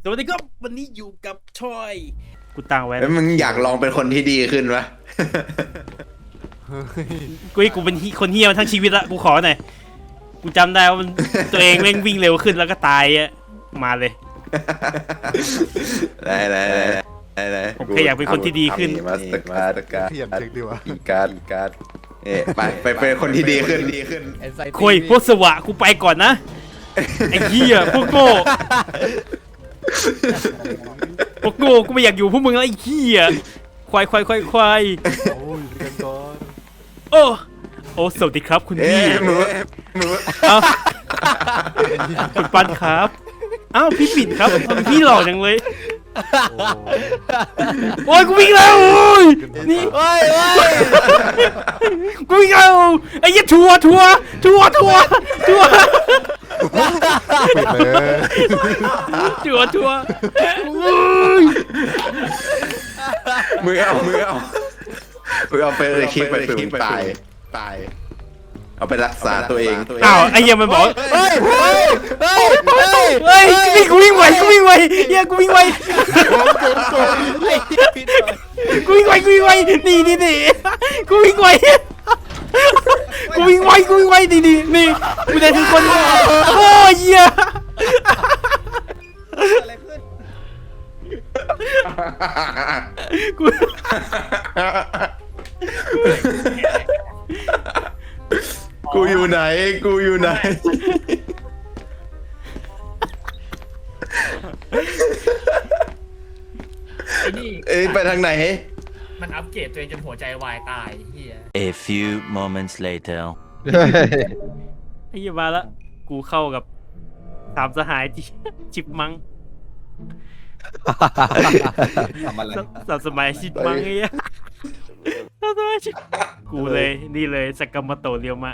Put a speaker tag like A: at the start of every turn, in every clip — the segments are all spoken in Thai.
A: สวัสดีครับวันนี้อยู่กับชอยกูตั้งไว้
B: แล้วมึงอยากลองเป็นคนที่ดีขึ้นวะ
A: กูเป็นคนเฮี้ยมาทั้งชีวิตละกูขอหน่อยกูจำได้ว่ามันตัวเองแม่งวิ่งเร็วขึ้นแล้วก็ตายอะมาเลย
B: ได้
A: ผมแค่อยากเป็นคนที่ดีขึ้น
B: มาสเตอร์การ์ด
C: เขียนเช็คดีวะ
B: อีการ์ดไปเป็นคนที่ดีขึ้น
A: คุยพวกสวะกูไปก่อนนะไอ้เหี้ยพวกโง่พวกโง่กูไม่อยากอยู่พวกมึงแล้วไอ้เหี้ยควาย
C: โอ้ยกันก่อน
A: โอ้สวัสดีครับคุณพี่
B: มือ
A: เอ้าคุณปันครับอ้าวพี่ปิ่นครับทำไมพี่หล่อจังเลยโอ้ยกูวิ่งแล้วโอ้ยนี่กูวิ่งแล้วไอ้เหี้ยทัวร์
C: ปิดเลย
A: ทัวร์
B: มือเอาไปเลยคลิปไปฝึกตายเอาไปรักษาตัวเอง
A: อ้าวไอ้เหี้ยมันบอกเฮ้ยนี่กูวิ่งไวเหี้ยกูวิ่งไวนี่กูวิ่งไวนี่กูได้ทุกคนโอ้ยเหี้ย
B: กูอยู่ไหนไปทางไหน
D: มันอัปเกรดตัวเองจนหัวใจวายตายเฮีย
E: A few moments later
A: ไอ้เหี้ยมาละกูเข้ากับสามสหายจิบมัง
C: ทำอะไร
A: สามสมัยจิบมังไอ้เหี้ยกูเลยนี่เลยสกัมมาโตเรียวมะ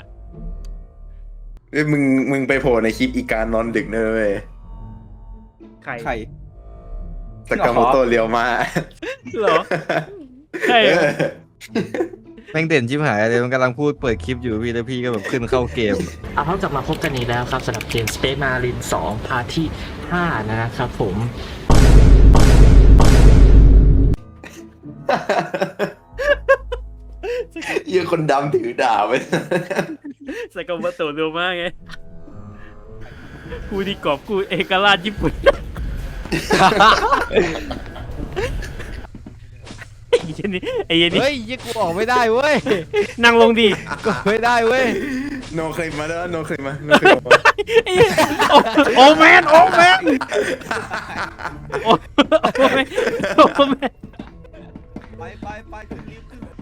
B: มึงไปโผล่ในคลิปอีการนอนดึกเนอะเว้ย
A: ใคร
B: สกาโมโตเรียวมา
A: เหรอใช่
C: แม่งเด่นชิบหายเลยมันกำลังพูดเปิดคลิปอยู่พี่แล้วพี่ก็แบบขึ้นเข้าเกม
D: เอาเข้ากลับมาพบกันอีกแล้วครับสำหรับเกม Space Marine 2 พาร์ทที่ 5 นะครับผม
B: เยี่ยคนดำถือดาบไป
A: สกัมมาโตเรียวมะไงกูดีกอบกูเอกราชญี่ปุ่นไอ้เหี้ยนี่
C: เฮ้ยยี่กูออกไม่ได้เว้ย
A: นั่งลงดิ
C: ก็ไม่ได้เว้ย
B: โนเคยมาแล้วโนเคยมา
A: โอ้แมนโอ้แมน
C: ไปถึงรีบขึ้น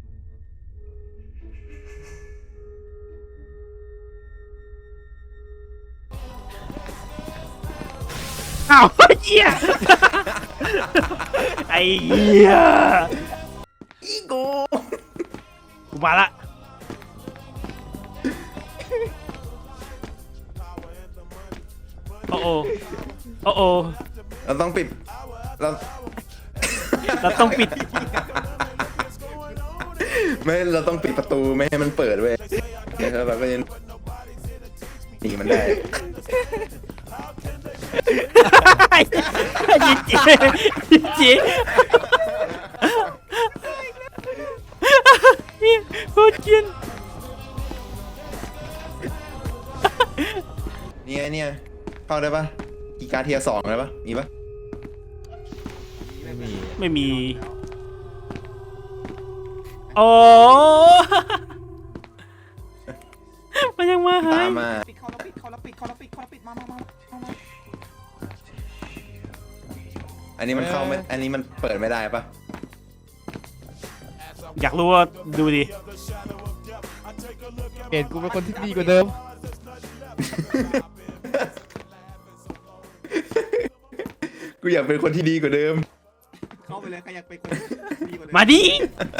A: อ้าวเหี้ยไอ้เหี้ยอีโก้กูมาละโอ้
B: เราต้องปิดเรา
A: ต้องปิด
B: ไม่เราต้องปิดประตูไม่ให้มันเปิดเว้ยแล้วเราก็ยังหนีมันได้
A: ยิงจีโคตรเกลียด
B: เนี่ยเข้าได้ปะกีการ์เทียร์2ได้ปะมีปะ
C: ไม่มี
A: โอ้มันยังมาหา
B: ตาย มมา
F: ปิดเขาแล้วปิดมา
B: อันนี้มันเข้าไม่อันนี้มันเปิดไม่ได้ปะ
A: อยากรู้ว่าดูดิ
C: เห็นกูเป็นคนที่ดีกว่าเดิม
B: กูอยากเป็นคนที่ดีกว่าเดิม
F: เข้าไปเลยใครอยากเป็นคนดีกว่าเดิ
A: มาดิ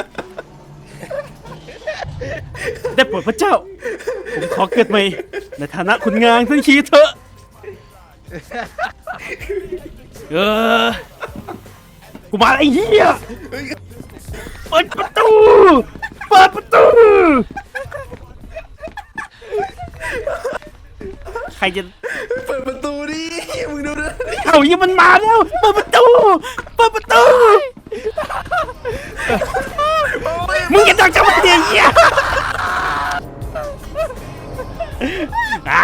A: ได้โปรดพระเจ้าผมขอเกิดใหม่ในฐานะคุณงานทั้งชีวิตเถอะกูมาไอ้เหี้ยเปิดประตูใครจะ
B: เปิดประตูดิมึงดูนะ
A: เอาเหี้ยมันมาแล้วเปิดประตูมึงจะดักจังหวะเดียวเหี้ยอ่ะ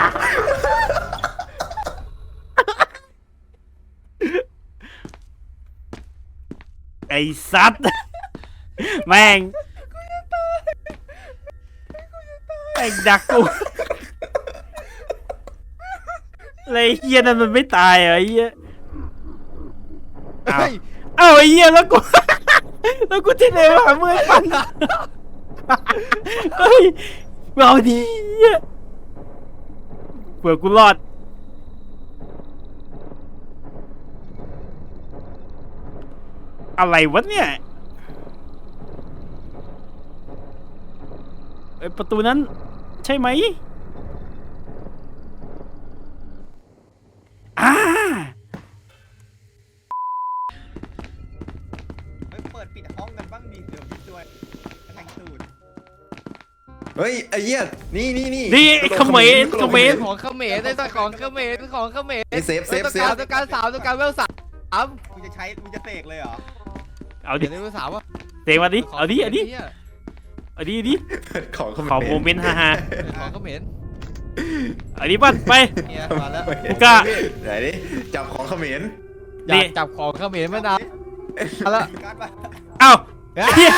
A: ไอ้สัตว์แม่งไอ้ดักกูอะไรเฮียนั่นมันไม่ตายเหรอไอ้เฮียเอาไอ้เฮียแล้วกูแล้วกูที่ไหนวะมือปันเฮ้ยเอาดีเหี้ยเผื่อกูรอดอะไรวะเนี่ยไอ้ประตูนั้นใช่ไหม
F: เปิดปิดห้องกันบ้างดิเดี๋ยวพี่ด้วยแทงตูด
B: เฮ้ยไอ้เหี้ยนี่
A: นี่ไอ้เขมร
C: ของเขมรได้สักของเขมร
B: ไอ้เซฟ
C: ต้องการ3ต้องการเวล3
F: มึงจะเสกเลยเหรอ
A: เอาดิ
C: เดี๋ยวเวล3วะ
A: เตะมาดิเอาดิ
B: ของ
A: ขอโมเมนต์ฮ่า
C: ของเขมร
A: ๆเอาดิปั้นไป
C: เนี่ยมาแล้ว
A: กูกล้า
B: ไหนดิจับของเขมร
C: อยากจับของเขมรมานานแล้ว
F: การ์ดมา
A: เอ้าเหี้ย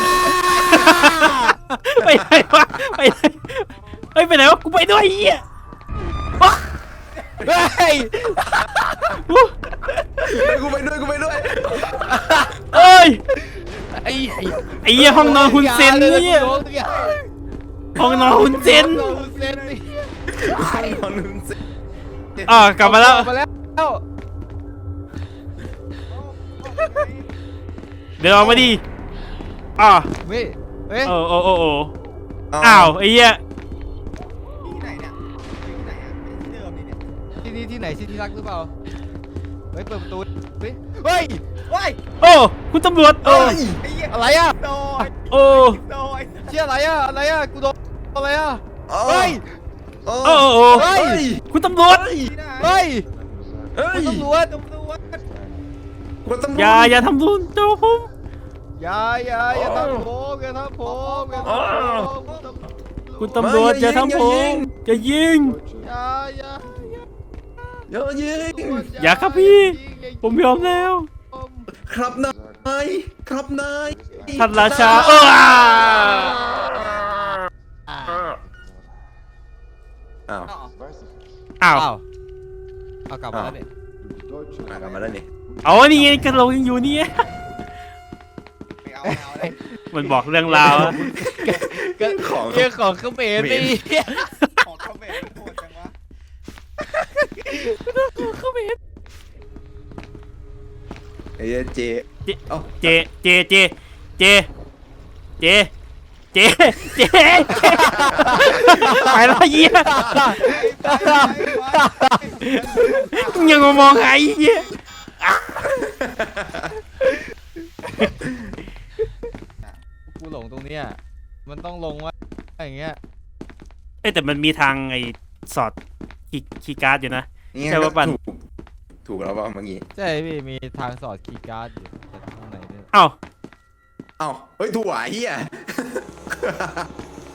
A: ไปไหนวะไปไหนเฮ้ยไปไหนวะกูไปด้วยไอ้เหี้ย
C: เฮ้ย
B: กูไปด้วย
A: เอ้ย
C: ไอ้
A: ไอ้เหี้ยห้องนอนคุณเซนเนี่ยห้องนอนคุณเซน
C: เซนนี่
B: นอนนึงสิ
A: กลับมาแล้ว
C: มาแล้ว
A: เดี๋ยวออกมาดิ
C: เฮ้ย
A: โอ้อ้าวไอ้เหี้ย
F: ที่ไหนเนี่ยที่ไหนอ่ะที่เดิมนี่เนี่ย
C: ที่นี่ที่ไหนที่รักหรือเปล่าเฮ้ยเปิดประตูเฮ้ยเฮ้ย
F: ว้าย
A: โอ้คุณตำรวจ
F: ไอ้เหี้ย
C: อะไรอ่ะ
F: โดย
A: โอ้
F: โดย
C: เชี่ยอะไรอ่ะกูโดนอะไรอ่ะเฮ้ย
A: โอ้
C: เฮ้ย
A: คุณตำรวจ
F: ที่ไหน
C: เฮ้ย
B: เฮ้ย
C: ตำรวจ
F: ตำรวจ
B: กูตำรวจ
A: อย่าทำรุนเจ้าผม
C: อย่าทำผมอย่าทำผมอย่าทำผม
A: คุณตำรวจอย่าทำผมจะยิง
C: อย่า
B: อย่ายิง
A: อย่าครับพี่ ผมยอมแล้ว
B: ครับนาย
A: ท่านราชา
B: อ้าว
A: อ้าว
C: เอากลับมาแล้วเนี่ย
B: กลับมาแล้วนี่
A: เอานี่ไงกระโหลกยังอยู่นี่
F: ไม่เอาเลย
A: มันบอกเรื่องราวอะ
B: ของ
C: เรื่องของเขมรนี่
F: ของเขาเมนโหดจังวะ
B: ไอ้เจเอ้า
A: เจไปแล้วเยี่ยยังมองหายเยี่ย
C: กูหลงตรงเนี้ยมันต้องลงว่าอย่างเงี้ย
A: แต่มันมีทางไอ้สอดคีย์การ์ดอยู่นะ ใช่ว่าปั่น
B: ถูกแล้วป่ะเมื่อกี้
C: ใช่พี่มีทางสอดคีย์การ์ดอยู่แต่ข้างในเนี่ย
A: เอ้า
B: เอ้าเฮ้ยถั่วเฮีย